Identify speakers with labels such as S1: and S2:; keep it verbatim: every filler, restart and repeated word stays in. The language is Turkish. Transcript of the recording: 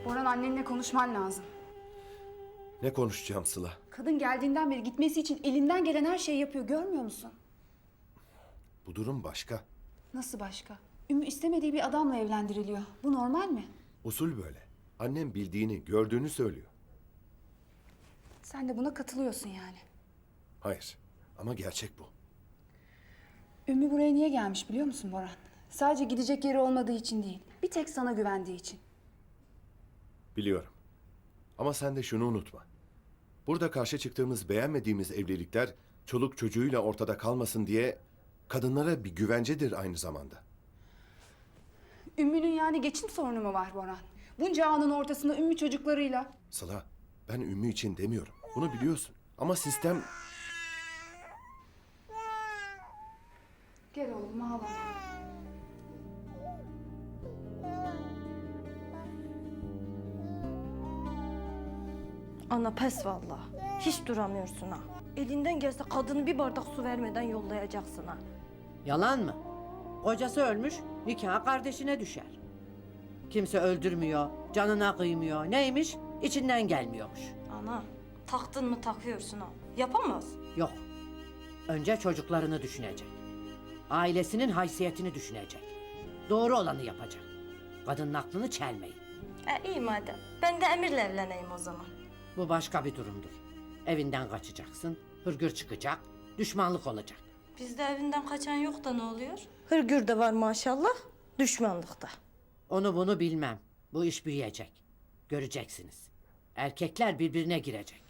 S1: Boran, annenle konuşman lazım.
S2: Ne konuşacağım Sıla?
S1: Kadın geldiğinden beri gitmesi için elinden gelen her şeyi yapıyor, görmüyor musun?
S2: Bu durum başka.
S1: Nasıl başka? Ümmü istemediği bir adamla evlendiriliyor. Bu normal mi?
S2: Usul böyle. Annem bildiğini, gördüğünü söylüyor.
S1: Sen de buna katılıyorsun yani.
S2: Hayır. Ama gerçek bu.
S1: Ümmü buraya niye gelmiş biliyor musun Boran? Sadece gidecek yeri olmadığı için değil. Bir tek sana güvendiği için.
S2: Biliyorum. Ama sen de şunu unutma. Burada karşı çıktığımız, beğenmediğimiz evlilikler çoluk çocuğuyla ortada kalmasın diye kadınlara bir güvencedir aynı zamanda.
S1: Ümmü'nün yani geçim sorunu mu var Boran? Bunca anın ortasında Ümmü çocuklarıyla.
S2: Sıla, ben Ümmü için demiyorum. Bunu biliyorsun. Ama sistem...
S1: Gel oğlum, ağlama.
S3: Ana pes vallahi. Hiç duramıyorsun ha. Elinden gelse kadını bir bardak su vermeden yollayacaksın ha.
S4: Yalan mı? Kocası ölmüş, nikah kardeşine düşer. Kimse öldürmüyor, canına kıymıyor. Neymiş? İçinden gelmiyormuş.
S3: Ana taktın mı takıyorsun ha. Yapamaz.
S4: Yok. Önce çocuklarını düşünecek. Ailesinin haysiyetini düşünecek. Doğru olanı yapacak. Kadının aklını çelmeyin.
S3: E iyi madem. Ben de Emir'le evleneyim o zaman.
S4: Bu başka bir durumdur. Evinden kaçacaksın, hırgür çıkacak, düşmanlık olacak.
S3: Bizde evinden kaçan yok da ne oluyor? Hırgür de var maşallah. Düşmanlıkta.
S4: Onu bunu bilmem. Bu iş büyüyecek. Göreceksiniz. Erkekler birbirine girecek.